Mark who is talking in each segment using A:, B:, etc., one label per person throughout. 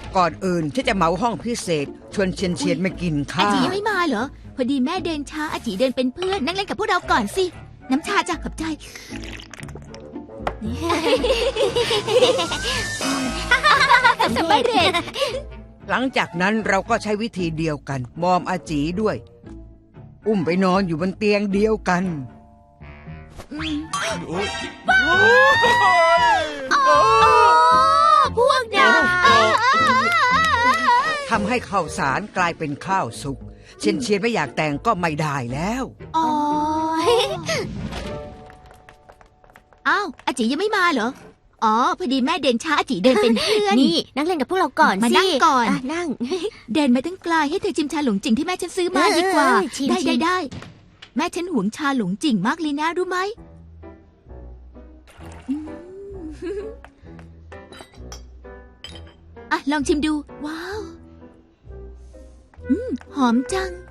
A: ก่อนอื่นฉันจะเหมาห้องพิเศษชวนเชียนมากิน
B: อา
A: ข้า
B: จิ
A: ว
B: ยังไม่มาเหรอพอดีแม่เดินช้าอาจิเดินเป็นเพื่อนนั่งเล่นกับพวกเราก่อนสิน้ำชาจ้ะขอบใจสำเร็จ
A: หลังจากนั้นเราก็ใช้วิธีเดียวกันมอมอาจีด้วย อุ้มไปนอนอยู่บนเตียงเดียวกัน
B: พวกนาย
A: ทำให้ข้าวสารกลายเป็นข้าวสุกเชียนไม่อยากแต่งก็ไม่ได้แล้ว
B: อ๋ออ้าวอาจิยังไม่มาเหรออ๋อพอดีแม่เดินช้าอาจิเดินเป็นเพื่อน
C: นี่นั่งเล่นกับพวกเราก่อนสิ
B: มานั่งก่อน
C: นั่ง
B: เดินมาตั้งไกลให้เธอชิมชาหลงจิ่งที่แม่ฉันซื้อมาดีกว่า
C: ชิม
B: ได้แม่ฉันหวงชาหลงจิ่งมากเลยนะรู้ไหมอืมอ่ะลองชิมดูว้าวหอมจัง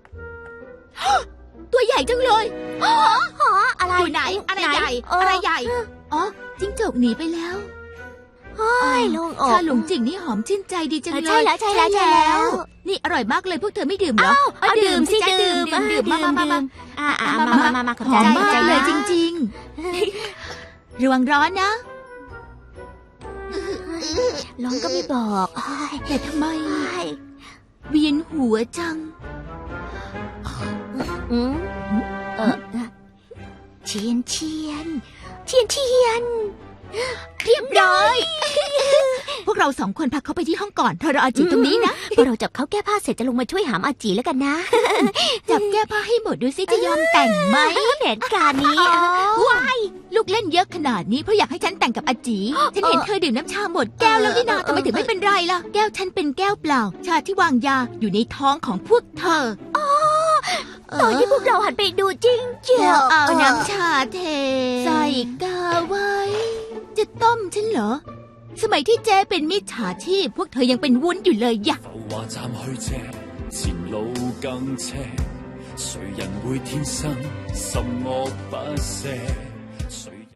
B: ตัวใหญ่จังเลย
C: อะไร
B: อยู่ไหนอะไรใหญ่อะไรใหญ่อ๋อจิ้งจกหนีไปแล้ว
C: โอ้ยโล่งอก
B: ชาหลงจิ่งนี่หอมชื่นใจดีจังเลย
C: ใช่แล้วใช่แล้ว
B: นี่อร่อยมากเลยพวกเธอไม่ดื่มเหรอ
C: ดื่มสิ
B: จ๊ะ
C: ดื่ม
B: ดื่มมา
C: มา
B: หอมมากเลยจริงๆระวังร้อนนะ
C: ร้องก็ไม่บอก
B: แต่ทำไมเวียนหัวจัง
C: เชียน
B: เรียบร้อย พวกเราสองคนพักเขาไปที่ห้องก่อนเธอรออาจิตรงนี้นะ
C: พอเราจับเขาแก้ผ้าเสร็จจะลงมาช่วยหามอาจีแล้วกันนะ
B: จับแก้ผ้าให้หมดดูสิจะยอมแต่งไหม
C: แผนการนี้
B: ว้ายลูกเล่นเยอะขนาดนี้เพราะอยากให้ฉันแต่งกับอาจีฉันเห็นเธอดื่มน้ำชาหมดแก้วแล้วนี่นาทำไมถึงไม่เป็นไรล่ะแก้วฉันเป็นแก้วเปล่า ชาที่วางยาอยู่ในท้องของพวกเธอ
C: ตอนที่พวกเราหันไปดูจริงเจียว
B: เอาน้ำชาเทใส่กาไว้ จะต้มฉันเหรอ สมัยที่เจ๊เป็นมิจฉาชีพพวกเธอยังเป็นวุ้นอยู่เลยอย่า
D: 浮華站去借，前路更斜，誰人會天生十惡不赦？